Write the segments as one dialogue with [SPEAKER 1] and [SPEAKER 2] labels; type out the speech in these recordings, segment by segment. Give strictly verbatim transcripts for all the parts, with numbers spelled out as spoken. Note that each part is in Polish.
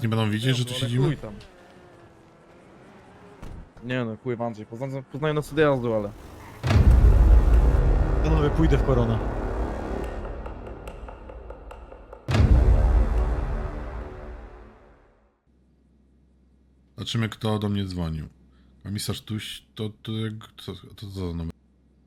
[SPEAKER 1] nie będą widzieć, że tu
[SPEAKER 2] Ale
[SPEAKER 1] siedzimy?
[SPEAKER 2] chuj tam. Nie no, chuj Andrzej, poznaję, poznaję nas od jazdu, ale...
[SPEAKER 3] Panowie, pójdę w koronę.
[SPEAKER 1] Zobaczymy, kto do mnie dzwonił. Komisarz Tuś, to, to, jak- to, to, to co za numer?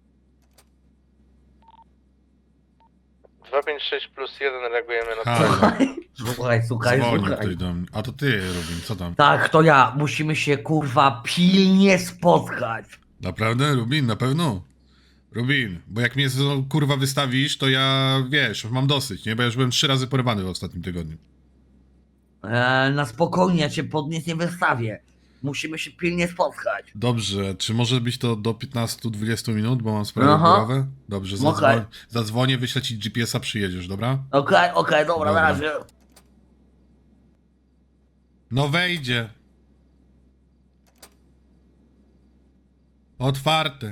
[SPEAKER 4] dwa pięć sześć plus jeden reagujemy na
[SPEAKER 1] Halo,
[SPEAKER 5] Słuchaj, słuchaj,
[SPEAKER 1] dzwonił
[SPEAKER 5] słuchaj.
[SPEAKER 1] ktoś do mnie. A to ty, Robin, co tam?
[SPEAKER 5] Tak, to ja. Musimy się kurwa pilnie spotkać.
[SPEAKER 1] Naprawdę, Rubin, na pewno? Rubin, bo jak mnie no, kurwa wystawisz, to ja, wiesz, mam dosyć, nie? Bo ja już byłem trzy razy porywany w ostatnim tygodniu.
[SPEAKER 5] E, na spokojnie, ja cię pod nic nie wystawię. Musimy się pilnie spotkać.
[SPEAKER 1] Dobrze, czy może być to do piętnastu do dwudziestu minut, bo mam sprawę
[SPEAKER 5] Aha.
[SPEAKER 1] głowę? Dobrze,
[SPEAKER 5] Okej.
[SPEAKER 1] zadzwoń, zadzwonię, wyślę ci G P S a, przyjedziesz, dobra?
[SPEAKER 5] Okej, okej, dobra,
[SPEAKER 1] Dobra.
[SPEAKER 5] na razie.
[SPEAKER 1] No wejdzie. Otwarte.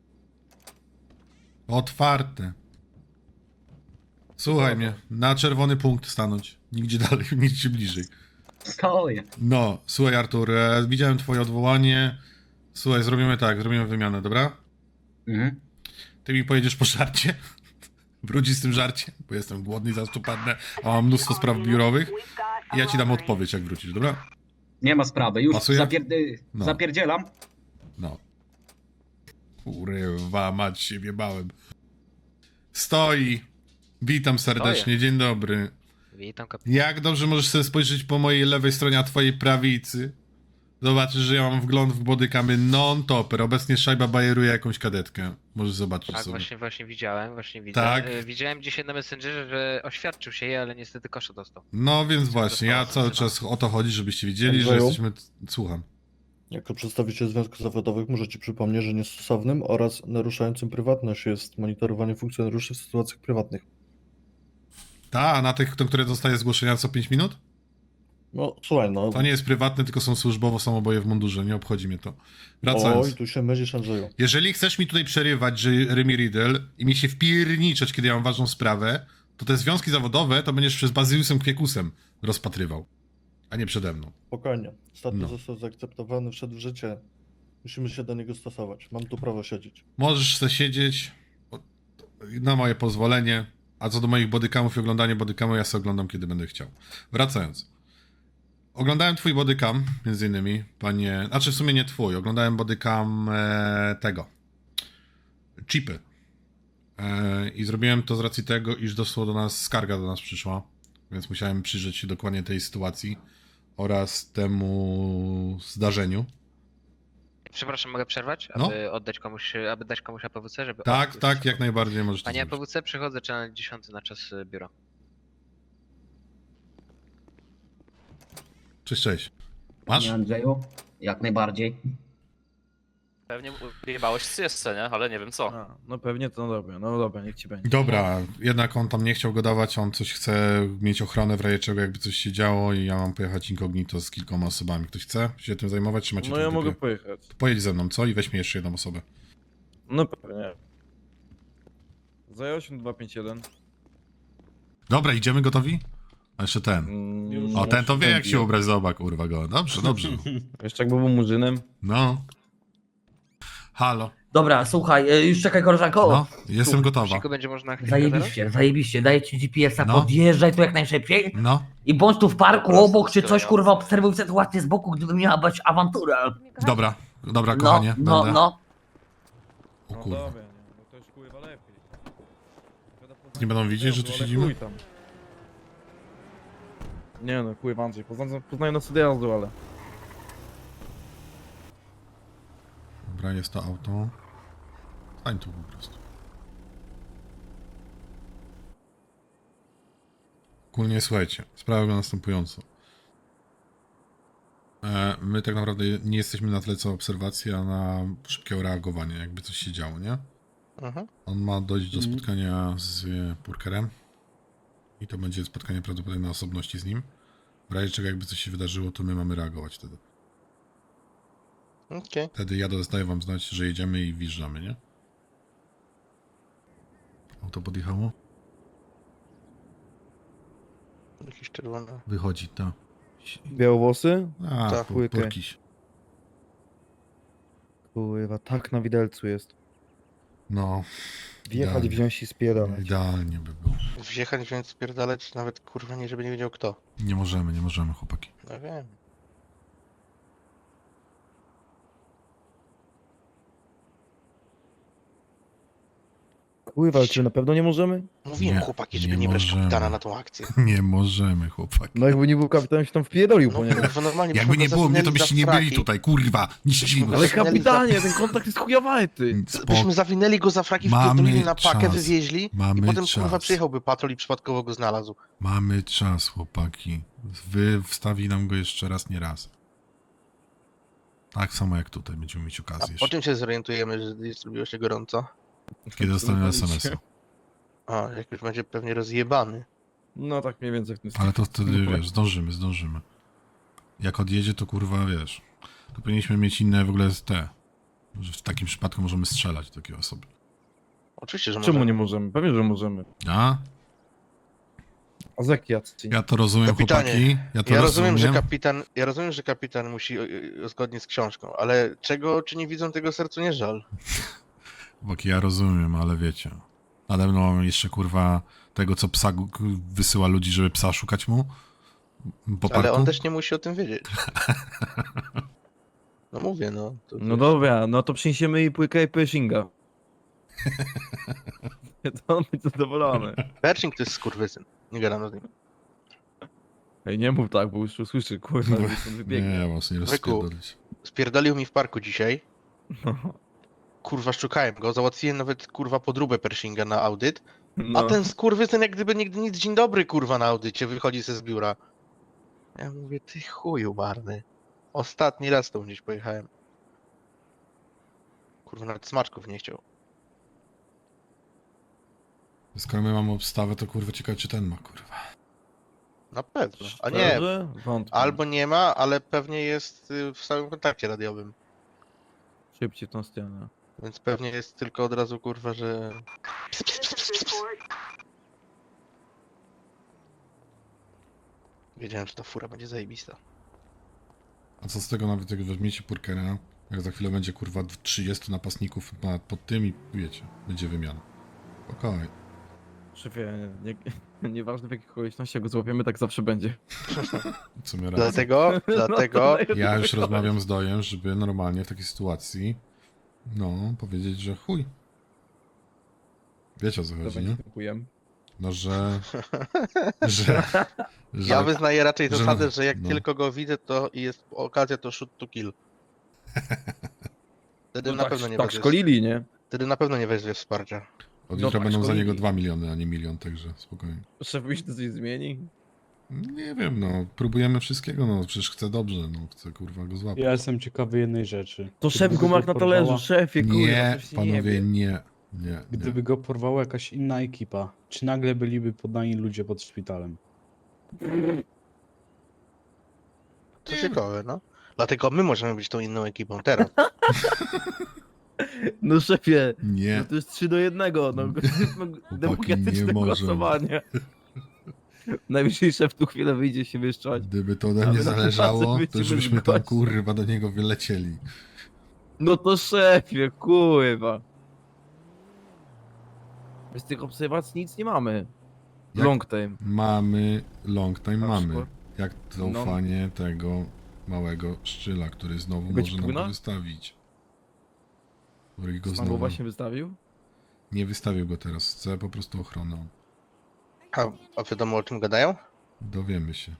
[SPEAKER 1] Otwarte. Słuchaj mnie, na czerwony punkt stanąć. Nigdzie dalej, nigdzie bliżej.
[SPEAKER 6] Stoję.
[SPEAKER 1] No, słuchaj Artur, e, widziałem twoje odwołanie. Słuchaj, zrobimy tak, zrobimy wymianę, dobra?
[SPEAKER 6] Mhm.
[SPEAKER 1] Ty mi pojedziesz po żarcie. Wrócisz z tym żarciem, bo jestem głodny, zaraz tu padnę, a mam mnóstwo spraw biurowych. I ja ci dam odpowiedź, jak wrócisz, dobra?
[SPEAKER 6] Nie ma sprawy, już
[SPEAKER 1] Pasuje?
[SPEAKER 6] zapierd-
[SPEAKER 1] No.
[SPEAKER 6] zapierdzielam.
[SPEAKER 1] No. Kurwa, mać się wjebałem. Stoi. Witam serdecznie, dzień dobry.
[SPEAKER 4] Witam kapitan.
[SPEAKER 1] Jak dobrze możesz sobie spojrzeć po mojej lewej stronie, a twojej prawicy? Zobaczysz, że ja mam wgląd w bodykamy non-topper. Obecnie szajba bajeruje jakąś kadetkę. Możesz zobaczyć
[SPEAKER 4] Tak,
[SPEAKER 1] sobie.
[SPEAKER 4] właśnie, właśnie widziałem, właśnie widzę.
[SPEAKER 1] Tak.
[SPEAKER 4] E, Widziałem dzisiaj na Messengerze, że oświadczył się jej, ale niestety kosza dostał.
[SPEAKER 1] No więc właśnie, ja
[SPEAKER 4] została
[SPEAKER 1] cały czas o to chodzi, żebyście wiedzieli, że
[SPEAKER 2] Andrzeju?
[SPEAKER 1] jesteśmy... Słucham.
[SPEAKER 2] Jako przedstawiciel związków zawodowych muszę Ci przypomnieć, że niestosownym oraz naruszającym prywatność jest monitorowanie funkcjonariuszy w sytuacjach prywatnych.
[SPEAKER 1] Ta, a na tych, które dostaje zgłoszenia co pięć minut?
[SPEAKER 2] No słuchaj, no.
[SPEAKER 1] To nie jest prywatne, tylko są służbowo, są oboje w mundurze, nie obchodzi mnie to. Wracając.
[SPEAKER 2] Oj, tu się mylisz, Andrzeju.
[SPEAKER 1] Jeżeli chcesz mi tutaj przerywać, że Remy Riddle i mi się wpierniczać, kiedy ja mam ważną sprawę, to te związki zawodowe to będziesz przez Bazyliusem Kwiekusem rozpatrywał, a nie przede mną.
[SPEAKER 2] Spokojnie. Status
[SPEAKER 1] No.
[SPEAKER 2] został zaakceptowany, wszedł w życie. Musimy się do niego stosować. Mam tu prawo siedzieć.
[SPEAKER 1] Możesz sobie siedzieć o- na moje pozwolenie, a co do moich bodycamów i oglądania bodycamu, ja sobie oglądam, kiedy będę chciał. Wracając. Oglądałem twój bodycam, między innymi, panie... Znaczy w sumie nie twój, oglądałem bodycam e, tego. Chipy. E, I zrobiłem to z racji tego, iż doszło do nas, skarga do nas przyszła, więc musiałem przyjrzeć się dokładnie tej sytuacji oraz temu zdarzeniu.
[SPEAKER 4] Przepraszam, mogę przerwać?
[SPEAKER 1] No.
[SPEAKER 4] Aby oddać komuś, aby dać komuś A P W C, żeby...
[SPEAKER 1] Tak,
[SPEAKER 4] O,
[SPEAKER 1] tak,
[SPEAKER 4] już
[SPEAKER 1] jak najbardziej możesz to
[SPEAKER 4] Panie
[SPEAKER 1] zrobić.
[SPEAKER 4] A P W C, przychodzę czy na dziesiąty na czas y, biura.
[SPEAKER 1] Cześć, cześć. Masz?
[SPEAKER 6] Nie, Andrzeju, jak najbardziej.
[SPEAKER 7] Pewnie wyjebałeś z jeszcze, nie? Ale nie wiem co.
[SPEAKER 2] A, no pewnie to no dobra, no dobra, niech Ci będzie.
[SPEAKER 1] Dobra, jednak on tam nie chciał go dawać, on coś chce mieć ochronę w razie czego, jakby coś się działo i ja mam pojechać incognito z kilkoma osobami. Ktoś chce się tym zajmować, czy macie
[SPEAKER 2] No
[SPEAKER 1] to w
[SPEAKER 2] ja
[SPEAKER 1] dupie?
[SPEAKER 2] mogę pojechać.
[SPEAKER 1] Pojedź ze mną, co? I weź mi jeszcze jedną osobę.
[SPEAKER 2] No pewnie. Zajął się dwa pięć jeden.
[SPEAKER 1] Dobra, idziemy gotowi? A jeszcze ten.
[SPEAKER 2] Mm,
[SPEAKER 1] O, ten to wie jak
[SPEAKER 2] ten
[SPEAKER 1] się
[SPEAKER 2] wie.
[SPEAKER 1] ubrać, zobacz, kurwa go. Dobrze, dobrze.
[SPEAKER 2] Jeszcze jakby był murzynem.
[SPEAKER 1] No. Halo.
[SPEAKER 5] Dobra, słuchaj, e, już czekaj koleżanko.
[SPEAKER 1] No, jestem gotowa.
[SPEAKER 4] Siku będzie można chwilkę
[SPEAKER 5] Zajebiście, zajebiście. Daję ci G P S a,
[SPEAKER 1] No.
[SPEAKER 5] podjeżdżaj tu jak najszybciej.
[SPEAKER 1] No,
[SPEAKER 5] I bądź tu w parku
[SPEAKER 7] Prosto
[SPEAKER 5] obok czy
[SPEAKER 7] z
[SPEAKER 5] coś,
[SPEAKER 7] tyłu.
[SPEAKER 5] kurwa, obserwuj sytuację z boku, gdyby miała być awantura.
[SPEAKER 1] dobra, dobra,
[SPEAKER 5] No,
[SPEAKER 1] kochanie,
[SPEAKER 5] no,
[SPEAKER 1] będę.
[SPEAKER 5] no.
[SPEAKER 1] O
[SPEAKER 2] No
[SPEAKER 1] kurwa.
[SPEAKER 2] dobra, nie, no to już kurwa lepiej.
[SPEAKER 1] Nie będą widzieć, że tu
[SPEAKER 2] Ale
[SPEAKER 1] siedzimy?
[SPEAKER 2] chuj tam. Nie no, chuj Andrzej, poznaję, poznaję nas od jazdu, ale...
[SPEAKER 1] Dobra, jest to auto. Stań tu po prostu. Ogólnie słuchajcie, sprawa wygląda następująco. E, my tak naprawdę nie jesteśmy na tyle co obserwacji, a na szybkie reagowanie, jakby coś się działo, nie?
[SPEAKER 4] Mhm.
[SPEAKER 1] On ma dojść do spotkania z Purkerem i to będzie spotkanie prawdopodobnie na osobności z nim. W razie czego jakby coś się wydarzyło, to my mamy reagować wtedy.
[SPEAKER 4] Okej.
[SPEAKER 1] Wtedy ja dostaję wam znać, że jedziemy i wjeżdżamy, nie? Auto podjechało?
[SPEAKER 4] Jakiś czerwony.
[SPEAKER 1] Wychodzi, ta.
[SPEAKER 2] Białowłosy?
[SPEAKER 1] A,
[SPEAKER 3] Tak,
[SPEAKER 1] pu-
[SPEAKER 2] łykę.
[SPEAKER 1] purkiś.
[SPEAKER 2] Kurwa, tak na widelcu jest.
[SPEAKER 1] No,
[SPEAKER 2] Wjechać,
[SPEAKER 1] Idealnie.
[SPEAKER 2] wziąć i spierdalać.
[SPEAKER 1] idealnie by było.
[SPEAKER 3] Wjechać, wziąć, spierdalać, nawet kurwa nie, żeby nie wiedział kto.
[SPEAKER 1] Nie możemy, nie możemy, chłopaki.
[SPEAKER 3] No wiem.
[SPEAKER 2] Kurwa, ale czy na pewno nie możemy?
[SPEAKER 3] Mówiłem
[SPEAKER 1] Nie,
[SPEAKER 3] chłopaki, żeby
[SPEAKER 1] nie
[SPEAKER 3] nie, brać
[SPEAKER 1] możemy.
[SPEAKER 3] kapitana na tą akcję.
[SPEAKER 1] Nie możemy, chłopaki.
[SPEAKER 2] No jakby nie był kapitan, się tam wpierdolił
[SPEAKER 3] No
[SPEAKER 2] po niego.
[SPEAKER 3] kurwa, normalnie
[SPEAKER 1] Jakby
[SPEAKER 3] byśmy
[SPEAKER 1] nie
[SPEAKER 3] go
[SPEAKER 1] było mnie, to
[SPEAKER 3] zawinęli
[SPEAKER 1] byście
[SPEAKER 3] za
[SPEAKER 1] nie byli
[SPEAKER 3] fraki.
[SPEAKER 1] tutaj, kurwa. Niszczymy.
[SPEAKER 2] Ale
[SPEAKER 3] Zawinęli
[SPEAKER 2] kapitanie, ten kontakt jest chujowy, ty.
[SPEAKER 3] Byśmy zawinęli go za fraki,
[SPEAKER 1] Mamy
[SPEAKER 3] wpierdolili na pakę,
[SPEAKER 1] czas.
[SPEAKER 3] wywieźli
[SPEAKER 1] Mamy
[SPEAKER 3] i potem
[SPEAKER 1] czas.
[SPEAKER 3] kurwa przyjechałby patrol i przypadkowo go znalazł.
[SPEAKER 1] Mamy czas, chłopaki. Wy wstawi nam go jeszcze raz, nie raz. Tak samo jak tutaj, będziemy mieć
[SPEAKER 3] A
[SPEAKER 1] okazję
[SPEAKER 3] po
[SPEAKER 1] jeszcze.
[SPEAKER 3] czym się zorientujemy, że jest zrobiło się gorąco?
[SPEAKER 1] Kiedy dostaniemy es em es a.
[SPEAKER 3] A, jak już będzie pewnie rozjebany.
[SPEAKER 2] No tak mniej więcej w tym
[SPEAKER 1] Ale to wtedy, wiesz, zdążymy, zdążymy. Jak odjedzie, to kurwa, wiesz, to powinniśmy mieć inne w ogóle te, że w takim przypadku możemy strzelać do takiej osoby.
[SPEAKER 3] Oczywiście, że
[SPEAKER 2] Czemu
[SPEAKER 3] możemy.
[SPEAKER 2] nie możemy? Pewnie, że możemy.
[SPEAKER 1] A?
[SPEAKER 2] A z jak jacy?
[SPEAKER 1] Ja to rozumiem,
[SPEAKER 3] Kapitanie,
[SPEAKER 1] chłopaki. Ja to
[SPEAKER 3] Ja
[SPEAKER 1] rozumiem.
[SPEAKER 3] rozumiem, że kapitan, ja rozumiem, że kapitan musi y, y, zgodnie z książką, ale czego czy nie widzą, tego sercu nie żal.
[SPEAKER 1] Chłopaki, ja rozumiem, ale wiecie. Nade mną mamy jeszcze kurwa tego, co psa gu- k- wysyła ludzi, żeby psa szukać mu. Po
[SPEAKER 3] Ale
[SPEAKER 1] parku.
[SPEAKER 3] on też nie musi o tym wiedzieć. No mówię, no. To,
[SPEAKER 2] No dobra, no to przyniesiemy jej płykę i Pershinga. To on będzie zadowolony.
[SPEAKER 3] Pershing to jest skurwysyn. Nie gadam z nim.
[SPEAKER 2] Ej, nie mów tak, bo już usłyszy, kurwa, że stąd
[SPEAKER 1] Nie,
[SPEAKER 2] wybiegnie.
[SPEAKER 1] ja was nie
[SPEAKER 3] Wyku.
[SPEAKER 1] rozpierdolić.
[SPEAKER 3] Spierdolił mi w parku dzisiaj.
[SPEAKER 2] No,
[SPEAKER 3] Kurwa, szukałem go. Załatwiłem nawet kurwa podróbę Pershinga na audyt. A
[SPEAKER 2] no.
[SPEAKER 3] ten skurwysyn jak gdyby nigdy nic, dzień dobry kurwa na audycie, wychodzi ze z biura. Ja mówię, ty chuju marny. Ostatni raz tą gdzieś pojechałem. Kurwa, nawet smaczków nie chciał.
[SPEAKER 1] Skoro my mamy obstawę, to kurwa ciekawe, czy ten ma, kurwa.
[SPEAKER 3] Na pewno. A nie,
[SPEAKER 2] Szczerze? Wątpię.
[SPEAKER 3] albo nie ma, ale pewnie jest y, w stałym kontakcie radiowym.
[SPEAKER 2] Szybciej w tą stronę.
[SPEAKER 3] Więc pewnie jest tylko od razu kurwa, że... Ps, ps, ps, ps, ps, ps. Wiedziałem, że ta fura będzie zajebista.
[SPEAKER 1] A co z tego nawet, jak weźmiecie Purkera, jak za chwilę będzie kurwa trzydziestu napastników na, pod tym i wiecie, będzie wymiana. Spokojnie.
[SPEAKER 2] Szefie, nie, nieważne w jakich okolicznościach go złapiemy, tak zawsze będzie.
[SPEAKER 1] W sumie raz.
[SPEAKER 3] Dlatego, dlatego...
[SPEAKER 2] No,
[SPEAKER 1] Ja już rozmawiam z Dojem, żeby normalnie w takiej sytuacji, no, powiedzieć, że chuj. Wiecie o co chodzi, nie?
[SPEAKER 2] Dziękuję.
[SPEAKER 1] No, że... że... że
[SPEAKER 3] Ja wyznaję raczej
[SPEAKER 1] że-
[SPEAKER 3] zasadę, że jak
[SPEAKER 1] no.
[SPEAKER 3] tylko go widzę, to i jest okazja, to shoot to kill. Wtedy
[SPEAKER 2] No
[SPEAKER 3] na
[SPEAKER 2] tak,
[SPEAKER 3] pewno nie
[SPEAKER 2] tak
[SPEAKER 3] weźmie.
[SPEAKER 2] szkolili, nie?
[SPEAKER 3] Wtedy na pewno nie weźmie wsparcia.
[SPEAKER 1] od
[SPEAKER 2] no
[SPEAKER 1] jutra
[SPEAKER 2] tak,
[SPEAKER 1] będą za
[SPEAKER 2] szkolili.
[SPEAKER 1] niego dwa miliony, a nie milion, także spokojnie.
[SPEAKER 2] Szef myśli, to coś zmieni?
[SPEAKER 1] Nie wiem, no, próbujemy wszystkiego, no, przecież chcę dobrze, no, chcę kurwa go złapać.
[SPEAKER 8] Ja jestem ciekawy jednej rzeczy.
[SPEAKER 2] To
[SPEAKER 8] Gdyby
[SPEAKER 2] szef go ma jak na
[SPEAKER 8] porwała-
[SPEAKER 2] talerzu, szefie, kurwa,
[SPEAKER 1] Nie,
[SPEAKER 2] coś się
[SPEAKER 1] panowie,
[SPEAKER 2] jebie.
[SPEAKER 1] nie, nie, nie.
[SPEAKER 8] Gdyby go porwała jakaś inna ekipa, czy nagle byliby poddani ludzie pod szpitalem?
[SPEAKER 3] To ciekawe, no. Dlatego my możemy być tą inną ekipą teraz.
[SPEAKER 2] No szefie,
[SPEAKER 1] Nie,
[SPEAKER 2] no to jest trzy do jednego, no,
[SPEAKER 1] nie
[SPEAKER 2] demokratyczne
[SPEAKER 1] możemy.
[SPEAKER 2] głosowanie. Najwyżej szef tu chwilę wyjdzie się wyszczać.
[SPEAKER 1] Gdyby to ode
[SPEAKER 2] Ale
[SPEAKER 1] mnie
[SPEAKER 2] na
[SPEAKER 1] zależało,
[SPEAKER 2] tacy
[SPEAKER 1] to już
[SPEAKER 2] byśmy
[SPEAKER 1] byśmy tam
[SPEAKER 2] gości.
[SPEAKER 1] kurwa do niego wylecieli.
[SPEAKER 2] No to szefie, kurwa. Z tych obserwacji nic nie mamy.
[SPEAKER 1] Jak-
[SPEAKER 2] Long time.
[SPEAKER 1] Mamy long time,
[SPEAKER 2] Na
[SPEAKER 1] mamy.
[SPEAKER 2] przykład?
[SPEAKER 1] Jak zaufanie tego małego szczyla, który znowu
[SPEAKER 2] Będzie
[SPEAKER 1] może nam go
[SPEAKER 2] płynął?
[SPEAKER 1] wystawić. Który go
[SPEAKER 2] Pan go
[SPEAKER 1] znowu...
[SPEAKER 2] właśnie wystawił?
[SPEAKER 1] Nie wystawił go teraz, chcę po prostu ochronę.
[SPEAKER 3] A, a wiadomo o czym gadają?
[SPEAKER 1] Dowiemy się.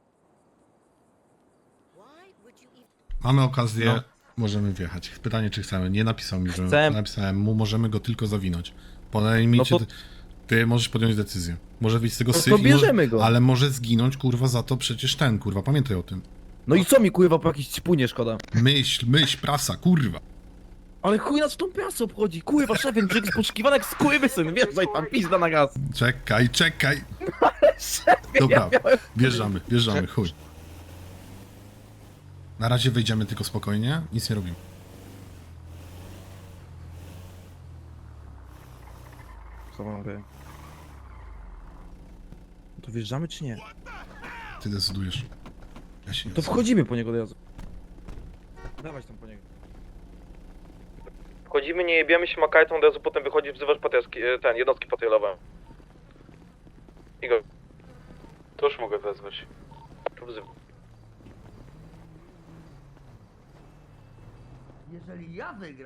[SPEAKER 1] Mamy okazję,
[SPEAKER 2] No.
[SPEAKER 1] możemy wjechać. Pytanie, czy chcemy. Nie napisał mi, że
[SPEAKER 2] Chcę.
[SPEAKER 1] napisałem mu, możemy go tylko zawinąć. Podejmijcie,
[SPEAKER 2] No to-
[SPEAKER 1] ty, ty możesz podjąć decyzję. Może wyjść z tego
[SPEAKER 2] No
[SPEAKER 1] syf
[SPEAKER 2] to
[SPEAKER 1] i może-
[SPEAKER 2] bierzemy go.
[SPEAKER 1] ale może zginąć, kurwa, za to przecież ten, kurwa, pamiętaj o tym.
[SPEAKER 2] No i co mi kurwa po jakiejś ćpunie szkoda?
[SPEAKER 1] Myśl, myśl, prasa, kurwa.
[SPEAKER 2] Ale chuj nas w tą prasę obchodzi, kurwa szefie, brzeg jest poszukiwany jak skurwysyn, wjeżdżaj tam, pizda na gaz.
[SPEAKER 1] Czekaj, czekaj.
[SPEAKER 2] Szefie,
[SPEAKER 1] Dobra,
[SPEAKER 2] ja miałem...
[SPEAKER 1] wjeżdżamy, wjeżdżamy, chuj. Na razie wejdziemy tylko spokojnie, nic nie robimy.
[SPEAKER 2] Co mogę? To wjeżdżamy czy nie?
[SPEAKER 1] Ty decydujesz. Ja się nie
[SPEAKER 9] To
[SPEAKER 1] odzywam.
[SPEAKER 9] wchodzimy po niego od razu. Dawać tam po niego.
[SPEAKER 10] Wchodzimy, nie jebiemy się makajtą, od razu potem wychodzisz, wzywasz patrioski, ten, jednostki patrolowe. Igor. To już mogę wezwać. Wzywam.
[SPEAKER 5] Jeżeli ja wygram,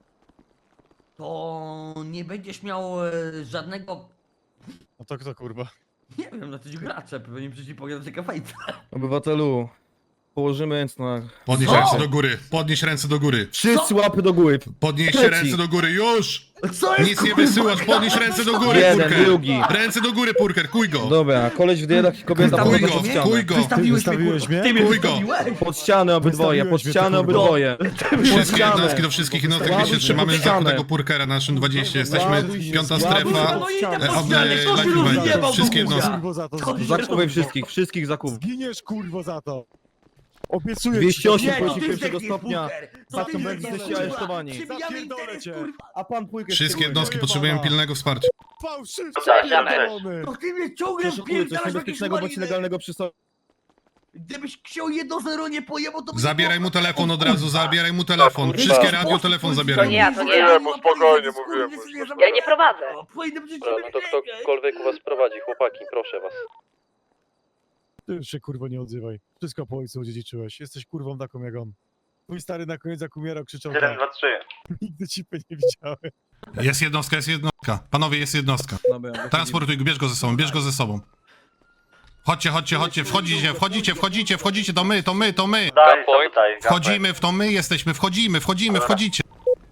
[SPEAKER 5] to nie będziesz miał e, żadnego...
[SPEAKER 9] No to kto kurwa?
[SPEAKER 5] Nie wiem, na coś gracze, pewnie przecież pogadać taka fajta.
[SPEAKER 9] Obywatelu, położymy ręce na...
[SPEAKER 1] Podnieś
[SPEAKER 5] Co?
[SPEAKER 1] ręce do góry, podnieś ręce do góry.
[SPEAKER 9] Wszyscy łapy do góry.
[SPEAKER 1] Podnieś
[SPEAKER 9] Trzeci.
[SPEAKER 1] ręce do góry, już!
[SPEAKER 5] Co jest,
[SPEAKER 1] Nic nie
[SPEAKER 5] kurwa?
[SPEAKER 1] wysyłasz, podnieś ręce do góry,
[SPEAKER 9] Jeden,
[SPEAKER 1] Purker!
[SPEAKER 9] drugi.
[SPEAKER 1] Ręce do góry, Purker, kuj go!
[SPEAKER 9] Dobra, koleś w diedach i kobieta
[SPEAKER 1] Kuj
[SPEAKER 9] pod
[SPEAKER 1] go,
[SPEAKER 9] ścianę.
[SPEAKER 1] kuj go!
[SPEAKER 5] Wystawiłeś mnie,
[SPEAKER 9] Wystawiłeś
[SPEAKER 5] kurwa.
[SPEAKER 9] mnie?
[SPEAKER 5] Ty mnie
[SPEAKER 1] Chuj go.
[SPEAKER 5] wystawiłeś.
[SPEAKER 9] Pod ścianę obydwoje, pod ścianę obydwoje.
[SPEAKER 1] Wszystkie
[SPEAKER 9] ścianę.
[SPEAKER 1] jednostki do wszystkich jednostek, my się
[SPEAKER 9] Ładuj
[SPEAKER 1] trzymamy
[SPEAKER 9] się pod ścianę.
[SPEAKER 1] zachodniego Purkera na naszym dwudziestym. Jesteśmy
[SPEAKER 9] Ładuj się,
[SPEAKER 1] piąta
[SPEAKER 9] ładuj
[SPEAKER 1] strefa.
[SPEAKER 9] się.
[SPEAKER 5] No i idę
[SPEAKER 1] E,
[SPEAKER 5] po
[SPEAKER 1] ob-
[SPEAKER 5] ścianę,
[SPEAKER 1] e,
[SPEAKER 5] kto się
[SPEAKER 1] live event.
[SPEAKER 5] rozjebał
[SPEAKER 1] Wszystkie
[SPEAKER 5] do
[SPEAKER 1] jednostki.
[SPEAKER 5] chuja?
[SPEAKER 9] za to.
[SPEAKER 5] Kto się
[SPEAKER 9] Zakupuj
[SPEAKER 5] rozjebał?
[SPEAKER 9] wszystkich, wszystkich zakup.
[SPEAKER 11] Zginiesz kurwo za to! Obiecuję
[SPEAKER 9] dwieście osiem
[SPEAKER 5] Nie, to
[SPEAKER 9] płaci
[SPEAKER 5] ty
[SPEAKER 9] pierwszego
[SPEAKER 5] zdechniesz,
[SPEAKER 9] stopnia.
[SPEAKER 5] Buker. To
[SPEAKER 9] Za
[SPEAKER 5] ty
[SPEAKER 9] to
[SPEAKER 5] zdechniesz,
[SPEAKER 9] będziecie
[SPEAKER 5] kurwa.
[SPEAKER 9] aresztowani.
[SPEAKER 5] Przybijamy
[SPEAKER 11] Zapierdolę
[SPEAKER 5] interes,
[SPEAKER 11] cię.
[SPEAKER 5] kurwa.
[SPEAKER 9] A pan pójkę
[SPEAKER 1] Wszystkie jednostki potrzebują pilnego wsparcia.
[SPEAKER 11] Fałszywcy
[SPEAKER 7] Tak,
[SPEAKER 11] pierdolony!
[SPEAKER 5] To ty mnie ciągle
[SPEAKER 9] Przeszukuję coś
[SPEAKER 5] wpierdalasz w jakieś
[SPEAKER 9] niebezpiecznego bądź
[SPEAKER 5] maliny.
[SPEAKER 9] nielegalnego przy sobie.
[SPEAKER 5] Gdybyś ksiął jedno zero nie pojebał, to by
[SPEAKER 1] Zabieraj
[SPEAKER 5] nie
[SPEAKER 1] mu
[SPEAKER 5] było-
[SPEAKER 1] telefon
[SPEAKER 5] O
[SPEAKER 1] od razu,
[SPEAKER 5] kurwa.
[SPEAKER 1] zabieraj mu telefon.
[SPEAKER 10] kurwa.
[SPEAKER 1] Wszystkie radio, telefon zabieraj mu.
[SPEAKER 5] ja, to nie
[SPEAKER 10] ja. Mówiłem mu, spokojnie, mówiłem mu.
[SPEAKER 5] Ja nie prowadzę. Powinny być
[SPEAKER 10] Dobra, no to ktokolwiek u was prowadzi, chłopaki, proszę was.
[SPEAKER 11] Ty już się kurwo nie odzywaj. Wszystko po ojcu odziedziczyłeś. Jesteś kurwą taką jak on. Twój stary na koniec jak umierał krzyczał tak.
[SPEAKER 10] trzy.
[SPEAKER 11] Nigdy cipy nie widziałem.
[SPEAKER 1] Jest jednostka, jest jednostka. Panowie, jest jednostka.
[SPEAKER 9] Dobra,
[SPEAKER 1] Transportuj go, bierz go ze sobą, bierz go ze sobą. Chodźcie, chodźcie, chodźcie, wchodzicie, wchodzicie, wchodzicie, wchodzicie, to my, to my, to my.
[SPEAKER 10] Daj, tutaj.
[SPEAKER 1] Wchodzimy w to my jesteśmy, wchodzimy, wchodzimy, wchodzicie.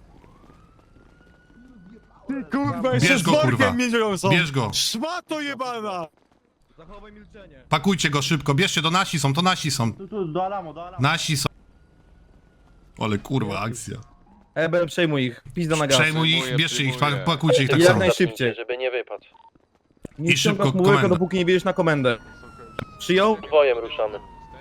[SPEAKER 11] Ty kurwa,
[SPEAKER 1] Bierz
[SPEAKER 11] jeszcze z
[SPEAKER 1] go, kurwa.
[SPEAKER 11] workiem miedzią są!
[SPEAKER 1] Bierz go.
[SPEAKER 11] Szmato jebana!
[SPEAKER 9] Zachowaj milczenie.
[SPEAKER 1] Pakujcie go szybko, bierzcie, to nasi są, to nasi są.
[SPEAKER 10] Do Alamo, do Alamo.
[SPEAKER 1] Nasi są. Ale kurwa, akcja.
[SPEAKER 9] Ebel, przejmuj ich. Pizda na gaz.
[SPEAKER 1] Przejmuj ich, bierzcie ich, pa- pakujcie ich tak
[SPEAKER 9] Jak
[SPEAKER 1] samo.
[SPEAKER 9] najszybciej.
[SPEAKER 10] Żeby nie wypadł.
[SPEAKER 9] Nie
[SPEAKER 1] I
[SPEAKER 9] ściągasz
[SPEAKER 1] szybko
[SPEAKER 9] mu łyka,
[SPEAKER 1] komendę.
[SPEAKER 9] dopóki nie bierzesz na komendę. Przyjął?
[SPEAKER 10] Dwojem ruszamy.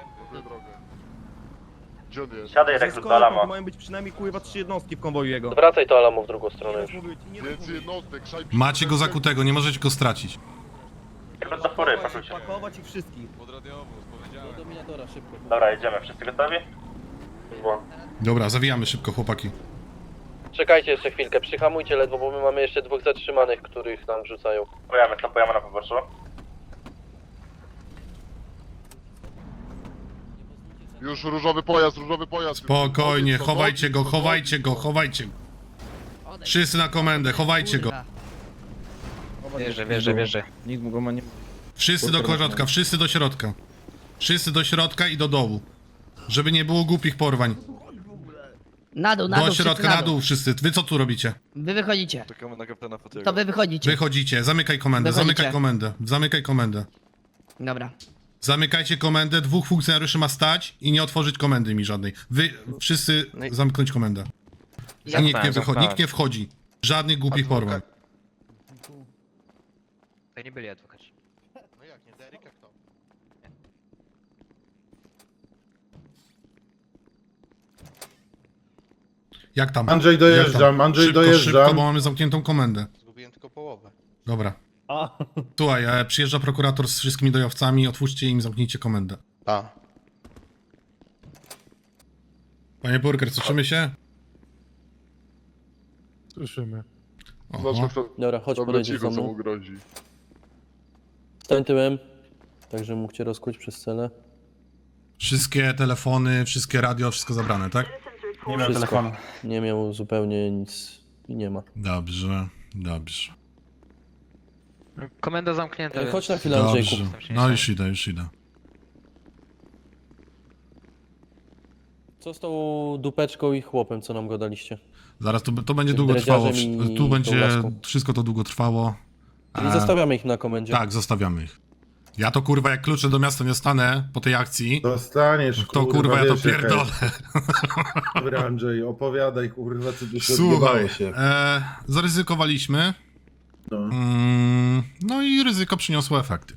[SPEAKER 9] Siadaj, rekrut do Alamo. Mają być przynajmniej kurwa trzy jednostki w konwoju jego.
[SPEAKER 10] Wracaj to Alamo w drugą stronę już.
[SPEAKER 1] Macie go zakutego, nie możecie go stracić.
[SPEAKER 10] Do pory, pakujcie.
[SPEAKER 9] Pakować ich wszystkich.
[SPEAKER 8] Do dominatora szybko.
[SPEAKER 10] Dobra, jedziemy. Wszyscy gotowi?
[SPEAKER 1] Dobra, zawijamy szybko, chłopaki.
[SPEAKER 10] Czekajcie jeszcze chwilkę, przyhamujcie ledwo, bo my mamy jeszcze dwóch zatrzymanych, których nam wrzucają. Stopujemy, stopujemy na poboczu.
[SPEAKER 11] Już różowy pojazd, różowy pojazd.
[SPEAKER 1] Spokojnie, chowajcie go, chowajcie go, chowajcie go. Wszyscy na komendę, chowajcie go.
[SPEAKER 4] Wierzę, wierzę, wierzę.
[SPEAKER 9] Nikt mu go ma nie...
[SPEAKER 1] Wszyscy do środka, wszyscy do środka. Wszyscy do środka i do dołu. Żeby nie było głupich porwań.
[SPEAKER 12] Na dół, na
[SPEAKER 1] Do
[SPEAKER 12] dół,
[SPEAKER 1] środka,
[SPEAKER 12] wszyscy
[SPEAKER 1] na dół wszyscy. Wy co tu robicie?
[SPEAKER 12] Wy wychodzicie.
[SPEAKER 11] Czekamy na kapitana Fatiego.
[SPEAKER 12] To wy wychodzicie.
[SPEAKER 1] Wychodzicie, zamykaj komendę,
[SPEAKER 12] Wychodzicie.
[SPEAKER 1] zamykaj komendę, zamykaj komendę.
[SPEAKER 12] Dobra.
[SPEAKER 1] Zamykajcie komendę, dwóch funkcjonariuszy ma stać i nie otworzyć komendy mi żadnej. Wy wszyscy
[SPEAKER 3] No i-
[SPEAKER 1] zamknąć komendę. I nikt nie wychodzi, nikt nie wchodzi. Żadnych głupich porwań.
[SPEAKER 4] To nie byli adwokaci.
[SPEAKER 3] No jak nie, Derek kto?
[SPEAKER 1] Jak tam?
[SPEAKER 11] Andrzej, dojeżdżam,
[SPEAKER 1] Jak tam?
[SPEAKER 11] Andrzej,
[SPEAKER 1] szybko,
[SPEAKER 11] dojeżdżam.
[SPEAKER 1] Szybko, bo mamy zamkniętą komendę.
[SPEAKER 3] Zgubiłem tylko połowę.
[SPEAKER 1] Dobra.
[SPEAKER 2] A,
[SPEAKER 1] Słuchaj, e, przyjeżdża prokurator z wszystkimi dojowcami, otwórzcie im, zamknijcie komendę.
[SPEAKER 3] A.
[SPEAKER 1] Panie Burger, słyszymy się?
[SPEAKER 11] Słyszymy.
[SPEAKER 1] Oho.
[SPEAKER 2] dobra, chodź podejdziesz za mną. Stań tyłem, tak żebym mógł cię rozkuć przez scenę.
[SPEAKER 1] Wszystkie telefony, wszystkie radio, wszystko zabrane, tak?
[SPEAKER 2] Nie miał telefonu. Nie miał zupełnie nic i nie ma.
[SPEAKER 1] Dobrze, dobrze.
[SPEAKER 4] Komenda zamknięta.
[SPEAKER 2] E, Chodź na
[SPEAKER 4] więc-
[SPEAKER 2] chwilę, Andrzejku.
[SPEAKER 1] Dobrze. No już idę, już idę.
[SPEAKER 2] Co z tą dupeczką i chłopem, co nam go daliście?
[SPEAKER 1] Zaraz to, to będzie
[SPEAKER 2] Tym
[SPEAKER 1] długo trwało.
[SPEAKER 2] dredziarzem i
[SPEAKER 1] Tu
[SPEAKER 2] tą
[SPEAKER 1] będzie,
[SPEAKER 2] laską.
[SPEAKER 1] wszystko to długo trwało.
[SPEAKER 2] Czyli
[SPEAKER 1] E,
[SPEAKER 2] zostawiamy ich na komendzie.
[SPEAKER 1] Tak, zostawiamy ich. Ja to kurwa, jak klucze do miasta nie stanę po tej akcji,
[SPEAKER 11] Dostaniesz,
[SPEAKER 1] to kurwa ja to
[SPEAKER 11] wiesz, jaka
[SPEAKER 1] pierdolę.
[SPEAKER 11] jest. Dobra, Andrzej, opowiadaj, kurwa, co tu się
[SPEAKER 1] Słuchaj,
[SPEAKER 11] odjebało się.
[SPEAKER 1] e, zaryzykowaliśmy.
[SPEAKER 11] No.
[SPEAKER 1] Mm, no i ryzyko przyniosło efekty.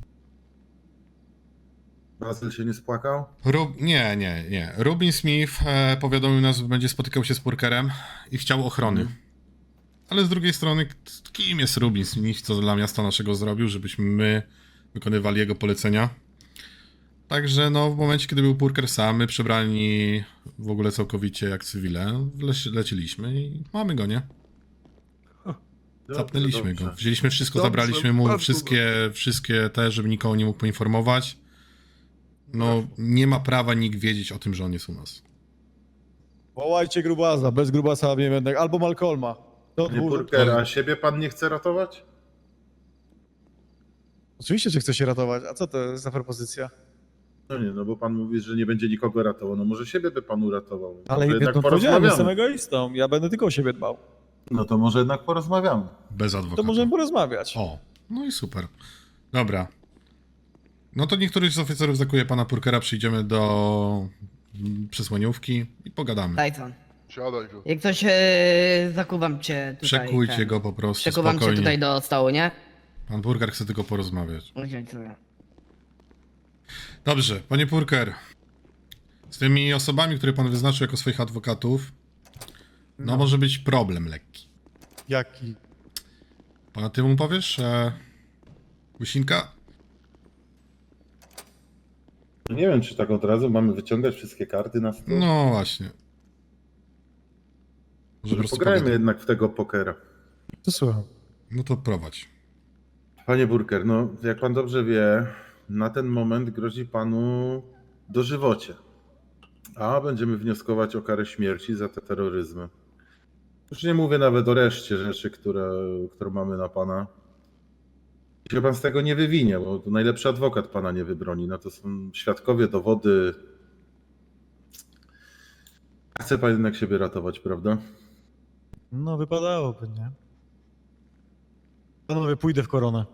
[SPEAKER 11] Bazyl się nie spłakał?
[SPEAKER 1] Rub, nie, nie, nie. Rubin Smith e, powiadomił nas, że będzie spotykał się z Purkerem i chciał ochrony.
[SPEAKER 11] Mhm.
[SPEAKER 1] Ale z drugiej strony, k- kim jest Rubin Smith, co dla miasta naszego zrobił, żebyśmy my wykonywali jego polecenia? Także no w momencie, kiedy był Purker sam, my przebrani w ogóle całkowicie jak cywile, leci, leciliśmy i mamy go, nie? Zapnęliśmy go. Wzięliśmy wszystko,
[SPEAKER 11] Dobrze,
[SPEAKER 1] zabraliśmy mu
[SPEAKER 11] bardzo
[SPEAKER 1] wszystkie, wszystkie te, żeby nikogo nie mógł poinformować. No nie ma prawa nikt wiedzieć o tym, że on jest u nas.
[SPEAKER 11] Wołajcie grubasa, bez grubasa nie będę. Albo Malcolma. To
[SPEAKER 1] Nie,
[SPEAKER 11] dwóch-
[SPEAKER 1] Purker, a
[SPEAKER 11] siebie pan nie chce ratować? Oczywiście, że chce się ratować. A co to jest za propozycja?
[SPEAKER 9] No nie, no bo pan mówi, że nie będzie nikogo ratował, no może siebie by pan uratował.
[SPEAKER 11] Ale
[SPEAKER 9] Może
[SPEAKER 11] no, powiedziałem, jestem egoistą. Ja będę tylko o siebie dbał.
[SPEAKER 9] No to może jednak porozmawiamy.
[SPEAKER 1] Bez
[SPEAKER 11] To
[SPEAKER 1] adwokata.
[SPEAKER 11] możemy porozmawiać.
[SPEAKER 1] O, no i super. Dobra. No to niektórych z oficerów zakuje pana Purkera, przyjdziemy do mm, przesłaniówki i pogadamy.
[SPEAKER 12] Tyson.
[SPEAKER 3] Siadaj tu.
[SPEAKER 12] Jak coś e, zakuwam cię tutaj.
[SPEAKER 1] Przekujcie
[SPEAKER 12] ten.
[SPEAKER 1] go po prostu,
[SPEAKER 12] Przekuwam cię
[SPEAKER 1] spokojnie.
[SPEAKER 12] tutaj do stołu, nie?
[SPEAKER 1] Pan Purker chce tylko porozmawiać.
[SPEAKER 12] Okej, dobra.
[SPEAKER 1] Dobrze, panie Purker. Z tymi osobami, które pan wyznaczył jako swoich adwokatów, no, może być problem lekki.
[SPEAKER 11] Jaki?
[SPEAKER 1] Pana ty mu powiesz, e... Łysinka?
[SPEAKER 9] No nie wiem, czy tak od razu mamy wyciągać wszystkie karty na stół.
[SPEAKER 1] No właśnie. Może po
[SPEAKER 9] Może
[SPEAKER 1] prostu
[SPEAKER 9] pograjmy
[SPEAKER 1] pogadamy.
[SPEAKER 9] jednak w tego pokera.
[SPEAKER 11] To słucham.
[SPEAKER 1] No to prowadź.
[SPEAKER 9] Panie Burker, no jak pan dobrze wie, na ten moment grozi panu dożywocie. A będziemy wnioskować o karę śmierci za te terroryzmy. Już nie mówię nawet o reszcie rzeczy, które, które mamy na pana. I się pan z tego nie wywinie, bo to najlepszy adwokat pana nie wybroni. No to są świadkowie, dowody. Chce pan jednak siebie ratować, prawda?
[SPEAKER 11] No wypadałoby, nie? Panowie, pójdę w koronę.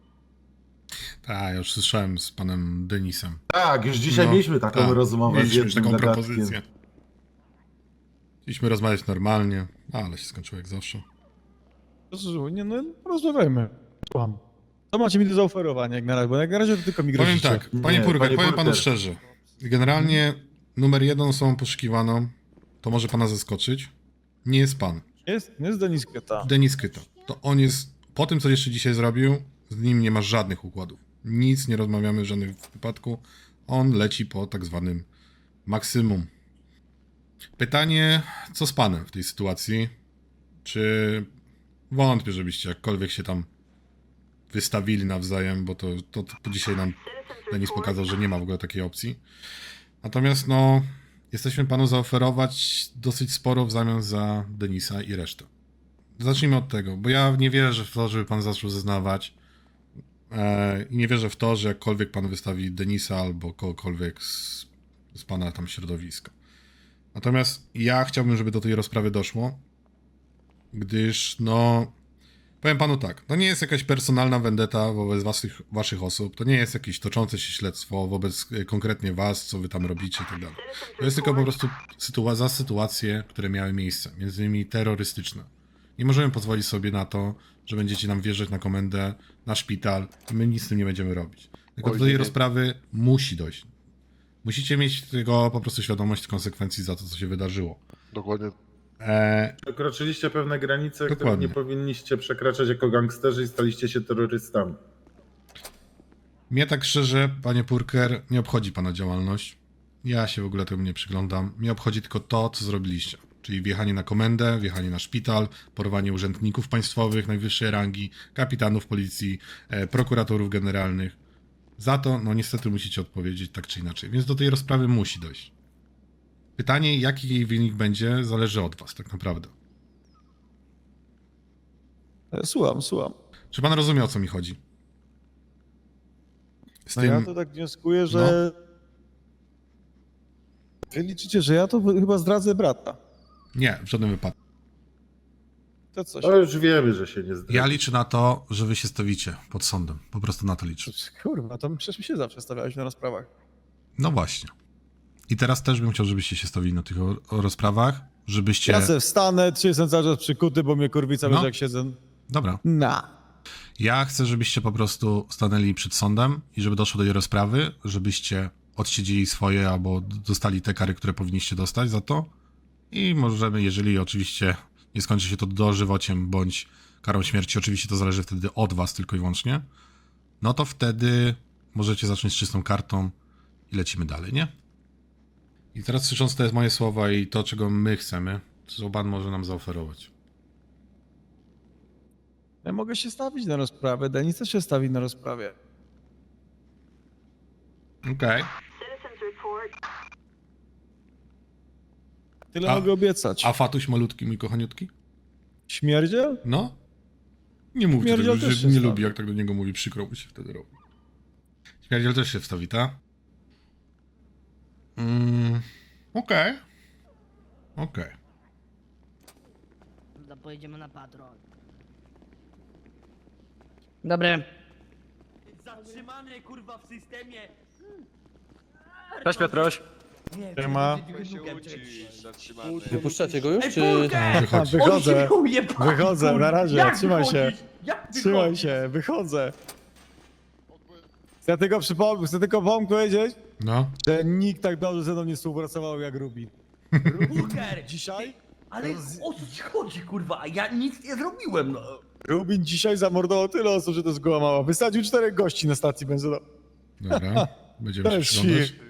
[SPEAKER 1] Tak, ja już słyszałem z panem Denisem.
[SPEAKER 9] Tak, już dzisiaj
[SPEAKER 1] No,
[SPEAKER 9] mieliśmy taką
[SPEAKER 1] tak,
[SPEAKER 9] rozmowę
[SPEAKER 1] mieliśmy
[SPEAKER 9] z
[SPEAKER 1] już
[SPEAKER 9] jednym
[SPEAKER 1] taką
[SPEAKER 9] gadatkiem.
[SPEAKER 1] propozycję. Chcieliśmy rozmawiać normalnie, ale się skończyło jak zawsze.
[SPEAKER 11] Proszę, nie no, porozmawiajmy. Słucham. Co macie mi do zaoferowania jak na razie? Bo jak na razie to tylko mi
[SPEAKER 1] Powiem
[SPEAKER 11] grozicie.
[SPEAKER 1] tak, panie
[SPEAKER 9] Nie,
[SPEAKER 1] Purger,
[SPEAKER 9] panie
[SPEAKER 1] powiem panu
[SPEAKER 9] Purger.
[SPEAKER 1] szczerze. Generalnie numer jeden osobą poszukiwaną, to może pana zaskoczyć, nie jest pan.
[SPEAKER 11] Jest, jest Denis Keta.
[SPEAKER 1] Denis Kyta. To on jest, po tym co jeszcze dzisiaj zrobił, z nim nie ma żadnych układów. Nic nie rozmawiamy w żadnym wypadku. On leci po tak zwanym maksymum. Pytanie, co z panem w tej sytuacji? Czy wątpię, żebyście jakkolwiek się tam wystawili nawzajem, bo to, to, to dzisiaj nam Denis pokazał, że nie ma w ogóle takiej opcji. Natomiast no, jesteśmy panu zaoferować dosyć sporo w zamian za Denisa i resztę. Zacznijmy od tego, bo ja nie wierzę w to, żeby pan zaczął zeznawać e, i nie wierzę w to, że jakkolwiek pan wystawi Denisa albo kogokolwiek z, z pana tam środowiska. Natomiast ja chciałbym, żeby do tej rozprawy doszło, gdyż no, powiem panu tak, to nie jest jakaś personalna vendetta wobec waszych, waszych osób, to nie jest jakieś toczące się śledztwo wobec e, konkretnie was, co wy tam robicie i tak dalej. To jest tylko po prostu sytua- za sytuacje, które miały miejsce, między innymi terrorystyczne. Nie możemy pozwolić sobie na to, że będziecie nam wjeżdżać na komendę, na szpital i my nic z tym nie będziemy robić. Tylko do tej rozprawy musi dojść. Musicie mieć tego po prostu świadomość konsekwencji za to, co się wydarzyło.
[SPEAKER 3] Dokładnie.
[SPEAKER 1] E,
[SPEAKER 9] Przekroczyliście pewne granice, których
[SPEAKER 1] Dokładnie.
[SPEAKER 9] nie powinniście przekraczać jako gangsterzy i staliście się terrorystami.
[SPEAKER 1] mnie tak szczerze, panie Purker, nie obchodzi pana działalność. Ja się w ogóle temu nie przyglądam. Mnie obchodzi tylko to, co zrobiliście. Czyli wjechanie na komendę, wjechanie na szpital, porwanie urzędników państwowych najwyższej rangi, kapitanów policji, e, prokuratorów generalnych. Za to, no niestety musicie odpowiedzieć tak czy inaczej. Więc do tej rozprawy musi dojść. Pytanie, jaki jej wynik będzie, zależy od was tak naprawdę.
[SPEAKER 11] E, Słucham, słucham.
[SPEAKER 1] Czy pan rozumie, o co mi chodzi? Z
[SPEAKER 11] No
[SPEAKER 1] tym...
[SPEAKER 11] ja to tak wnioskuję, że... Wy liczycie, że ja to chyba zdradzę brata.
[SPEAKER 1] Nie, w żadnym wypadku.
[SPEAKER 11] To coś.
[SPEAKER 9] To już wiemy, że się nie zdradzi.
[SPEAKER 1] Ja liczę na to, że wy się stawicie pod sądem. Po prostu na to liczę.
[SPEAKER 11] Kurwa, to przecież my się zawsze stawialiśmy na rozprawach.
[SPEAKER 1] No właśnie. I teraz też bym chciał, żebyście się stawili na tych o, o rozprawach, żebyście...
[SPEAKER 11] Ja se wstanę, czy jestem cały czas przykuty, bo mnie kurwica
[SPEAKER 1] No.
[SPEAKER 11] leży jak siedzę.
[SPEAKER 1] Dobra.
[SPEAKER 11] Na.
[SPEAKER 1] Ja chcę, żebyście po prostu stanęli przed sądem i żeby doszło do tej rozprawy, żebyście odsiedzieli swoje albo dostali te kary, które powinniście dostać za to. I możemy, jeżeli oczywiście nie skończy się to dożywociem bądź karą śmierci, oczywiście to zależy wtedy od was tylko i wyłącznie, no to wtedy możecie zacząć z czystą kartą i lecimy dalej, nie? I teraz słysząc te moje słowa i to, czego my chcemy, co pan może nam zaoferować?
[SPEAKER 11] Ja mogę się stawić na rozprawę, Denis też się stawi na rozprawie.
[SPEAKER 1] Okej.
[SPEAKER 11] Tyle
[SPEAKER 1] A-
[SPEAKER 11] mogę obiecać.
[SPEAKER 1] A Fatuś malutki, mój kochaniutki?
[SPEAKER 11] Śmierdziel?
[SPEAKER 1] No? Nie mówcie
[SPEAKER 11] Śmierdziel
[SPEAKER 1] tego,
[SPEAKER 11] też
[SPEAKER 1] że
[SPEAKER 11] się
[SPEAKER 1] nie
[SPEAKER 11] wstawi.
[SPEAKER 1] lubi, jak tak do niego mówi, przykro mu się wtedy robi. Śmierdziel też się wstawi, tak? Mm, okej. Okej.
[SPEAKER 12] Dobra, pojedziemy na patrol. Dobre.
[SPEAKER 5] Zatrzymany kurwa w systemie.
[SPEAKER 10] Cześć Piotruś.
[SPEAKER 5] Nie,
[SPEAKER 11] Siema.
[SPEAKER 2] Wypuszczacie go już,
[SPEAKER 5] Ej,
[SPEAKER 2] czy...
[SPEAKER 5] Burger!
[SPEAKER 1] Wychodź.
[SPEAKER 11] A, wychodzę.
[SPEAKER 5] On się ujebał,
[SPEAKER 11] Wychodzę,
[SPEAKER 5] kurwa.
[SPEAKER 11] na razie,
[SPEAKER 5] Jak
[SPEAKER 11] trzymaj się.
[SPEAKER 5] wychodzisz? Jak
[SPEAKER 11] Trzymaj
[SPEAKER 5] wychodzisz?
[SPEAKER 11] się, wychodzę. Chcę tylko przypomnieć, chcę tylko wam powiedzieć,
[SPEAKER 1] No.
[SPEAKER 11] że nikt tak dobrze ze mną nie współpracował jak Rubin.
[SPEAKER 5] Burger!
[SPEAKER 11] Dzisiaj?
[SPEAKER 5] Ale o co ci chodzi kurwa? Ja nic nie zrobiłem no.
[SPEAKER 11] Rubin dzisiaj zamordował tyle osób, że to jest goła mała. Wysadził czterech gości na stacji benzynowej.
[SPEAKER 1] Dobra. Będziemy
[SPEAKER 11] To
[SPEAKER 1] się
[SPEAKER 11] jest
[SPEAKER 1] przyglądać.
[SPEAKER 11] świr.